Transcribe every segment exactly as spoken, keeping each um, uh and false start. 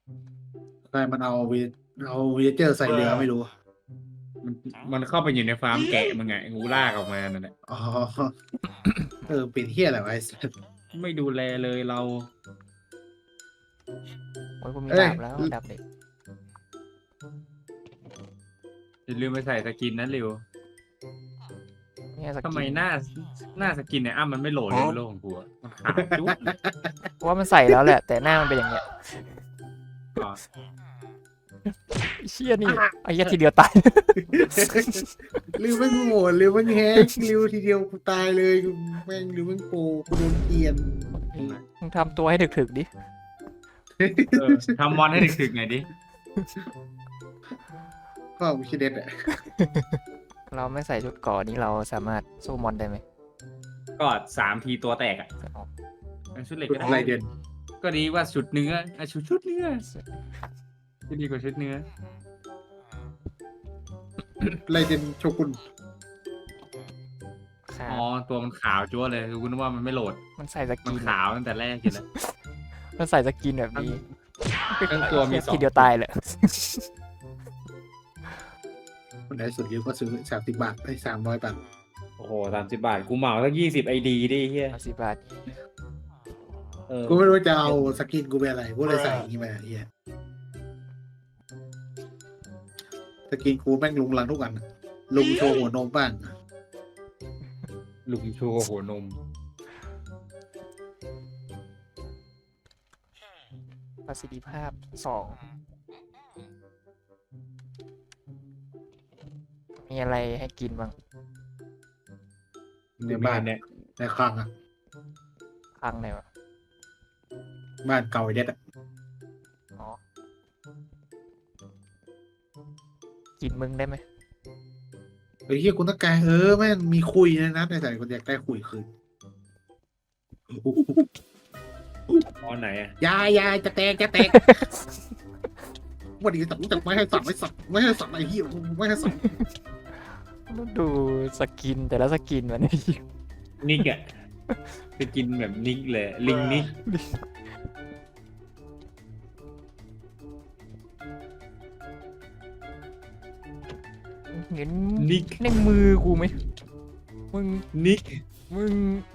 ใช่มันเอาวีเอาวีเจอร์ใส่เรือไม่รู้มันมันเข้าไปอยู่ในฟาร์มแกะมึงไงงูลากออกมานั่นแหละอ๋อเออเป็นเฮียอะไรวะไอ้สัสไม่ดูแลเลยเราโอ้ยกูมีเอ้ยดาบแล้วดาบเด็กอย่าลืมไปใส่สกินนั้นเร็วเนี่ยสทำไมกินหน้าหน้าสกินเนี่ยอ้ามันไม่โหลดเลยบนโลกของกูอะมันขาวจุ๊บว่ามันใส่แล้วแหละ แต่หน้ามันเป็นอย่างเงี้ยอ๋อเชี่ยนี่ไอ้เหี้ยทีเดียวตายริวแม่งโหดริวแม่งแฮกริวทีเดียวกูตายเลยกูแม่งริวแม่งโปรกูโดนเกลียนมึงทำตัวให้ถึกๆดิเออทำมอนให้ถึกๆหน่อยดิก็วิชิเด็ดอะเราไม่ใส่ชุดเก่อนี้เราสามารถสู้มอนได้ไหมก็สามทีตัวแตกอ่ะอ๋อชุดเหล็กชุดก็อะไรได้เด่นก็ดีว่าชุดเนื้ออ่ะชุดชุดเนื้อก็ดีกว่าชุดเนื้ออะไรเด่นโชกุนขาอ๋อตัวมันขาวจั๊วเลยคือคุณนึกว่ามันไม่โหลดมันใส่สมักินนขาวตั้งแต่แรกอยู่แล้วมันใส่สกินแบบนี้ทั้งตัวมีสองทีเดียวตายเลยคนไหนสุดริวก็ซื้อสามสิบบาทได้สามร้อยบาทโอ้โหสามสิบบาทกูเหมาสักยี่สิบไอดีดิเฮียสิบบาทเออกูไม่รู้จะเอาสกินกูเป็นอะไรกูเลยใส่อย่างนี้มาเฮียสกินกูแม่งลุงลังทุกอันอะลุงโชว์หัวนมบ้างลุงชูหัวนมประสิทธิภาพสองมีอะไรให้กินบ้างในบ้านเนี่ยในคลังอะพังไหนวะบ้านเก่าไอ้เด็ดอะอ๋อกินมึงได้ไหมไอ้เฮียคุณต้องการเออแม่งมีคุยนะนะในใส่คนอยากได้คุยคืนตอนไหนอ่ะยายยายจะแตกจะแตกวันนี้สั่งจะไม่ให้สั่งไม่สั่งไม่ให้สั่งไอ้เหี้ยไม่ให้สั่งต้องดูสกินแต่ละสกินมันนิกอ่ะไปกินแบบนิกเลยลิงนิกเห็นนิกในมือกูไหมมึงนิกมึง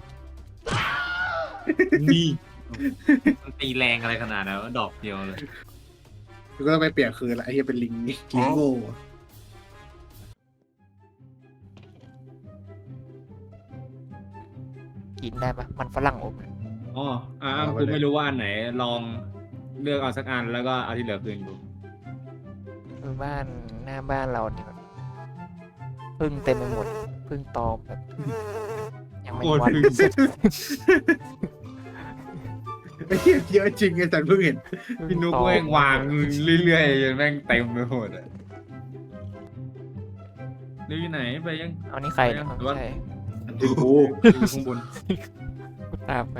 นี่มันตีแรงอะไรขนาดนั้นวะดอกเดียวเลยกูก็ต้องไปเปลี่ยนคืนละไอ้เหี้ยเป็นลิงลิงโง่กินได้ปะมันฝรั่งอบอ๋ออ่ากูไม่รู้ว่าอันไหนลองเลือกเอาสักอันแล้วก็เอาที่เหลือคืนกูคือบ้านหน้าบ้านเราเนี่ยแบบพึ่งเต็มไปหมดพึ่งตอมแบบยังไม่โคตรวันพึ่งไอ้เหี้ยเยอะจริงไอ้สันเพิ่งเห็นพี่นุ๊กแม่งวางเรื่อยๆจนแม่งเต็มไปหมดอ่ะดูอยู่ไหนไปยังเอานี่ใครเนี่ยหรือไม่ว่าใช่ถึงกูอยู่ข้างบนกูตามไป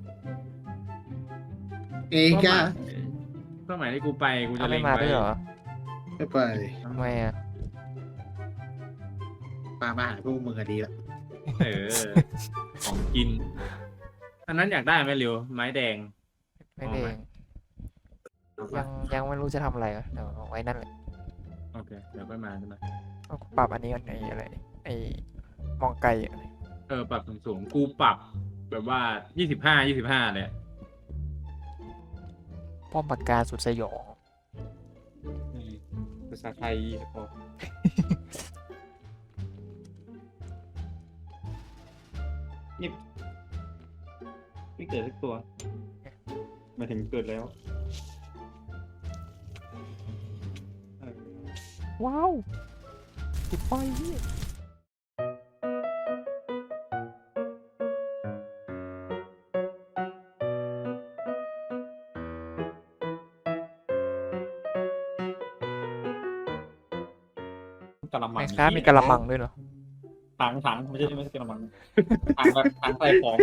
เองก้าสมัยที่กูไปกูเอาจะไม่เล็งมาไว้ด้วยเหรอไม่ไปทำไมอ่ะมามาหาพวกมึงอะดีละเออของกิน อันนั้นอยากได้ไหมเร็วไม้แดงไม่ได้เอายัปะงยังไม่รู้จะทำอะไรอ่ะเดี๋ยวเอาไว้นั่นแหละโอเคเดี๋ยวไปมาใช่ไหมเอาปรับอันนี้กันไอ้อะไรไอ้มองไกลอะเออปรับสูงๆกูปรับ แบบว่ายี่สิบห้ายี่สิบห้าเลยป้อมปากกาสุดสยองภาษาไทยพอนี่ไม่เกิดสักตัวมาถึงเกิดแล้วว้าวติดไฟพี่กะละมัไอ้งค้ามีกระมังด้วยเหรอถังถังไม่ใช่ไม่ใช่กะละมังถังแบบถังใส่ของ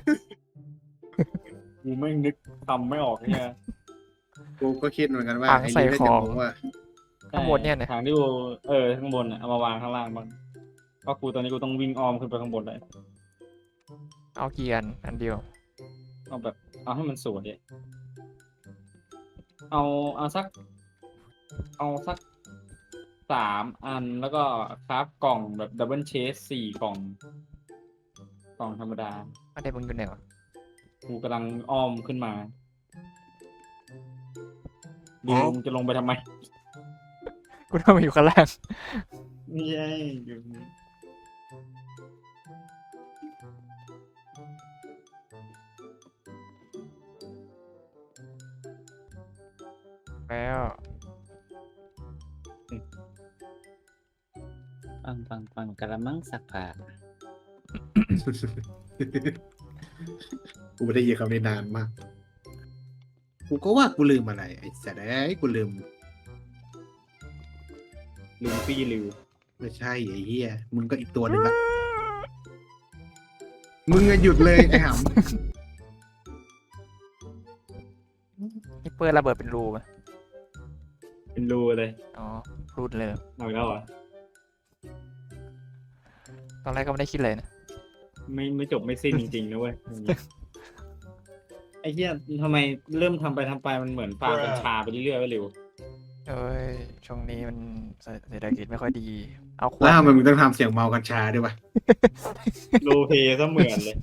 กูไม่นึกทำไม่ออกเนี่ยกูก็คิดเหมือนกันว่าถังไอ้ใส่ลิงน่าขจะองงงว่าข้างบนเนี่ยนะถังที่กูเออข้างบนอ่ะเอามาวางข้างล่างบ้างก็กูตอนนี้กูต้องวิ่งอ้อมขึ้นไปข้างบนเลยเอากี่อันอันเดียวเอาแบบเอาให้มันสวยเอาเอาสัก เอาสักสามอันแล้วก็คราฟกล่องแบบดับเบิลเชสสี่กล่อง กล่องธรรมดาไม่ได้มึงอยู่ไหนวะกูกำลังอ้อมขึ้นมาดิวมึงจะลงไปทำไมกูต้องมาอยู่ข้างล่างนี่ไงอยู่แล้วปังปังปังกระมังสักผ้ากูไม่ได้ยินคำนี้นานมาก กูก็ว่ากูลืมอะไร ไอ้สัตว์ไอ้ยกูลืมลืมปี้ลิวไม่ใช่ไอ้เหี้ยมึงก็อีกตัวหนึ่งละมึงอะหยุดเลยไอ้หนี่เปิดระเบิดเป็นรูไหมเป็นรูเลยอ๋อรูดเลยเอาอีกแล้วเหรอตอนแรกก็ไม่ได้คิดเลยนะไม่ไม่จบไม่สิ้นจริงๆนะเว้ยอย่างเงี้ยไอ้เหี้ยทำไมเริ่มทำไปทำไปมันเหมือนฟาร์มกัญชาไปเรื่อยๆไปเร็วเอ้ยช่วงนี้มันเศรเศรษฐกิจไม่ค่อยดี เอาขำวดแล้วทำไมมึงต้องทำเสียงเมากัญชาด้วยวะโลเพซะเหมือนเลย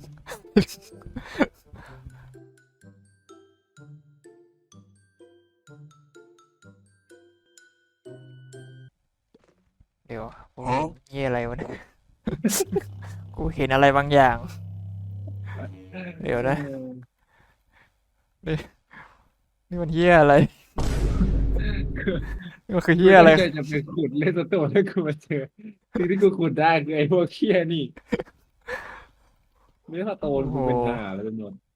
เดี๋ยวกูเหี้ยอะไรวะเนี่ย กูเห็นอะไรบางอย่าง เดี๋ยวนะ นี่มันเหี้ยอะไร นี่มันคือเหี้ยอะไรกูม่เคยจะไปขุดเล่นตัวโตแล้วกูมาเจอสิ่งที่กูขุดได้คือไอ้พวกเคี้ยนี่ไม่ถ้าโตนกูเป็นหาแล้วเป็นหมด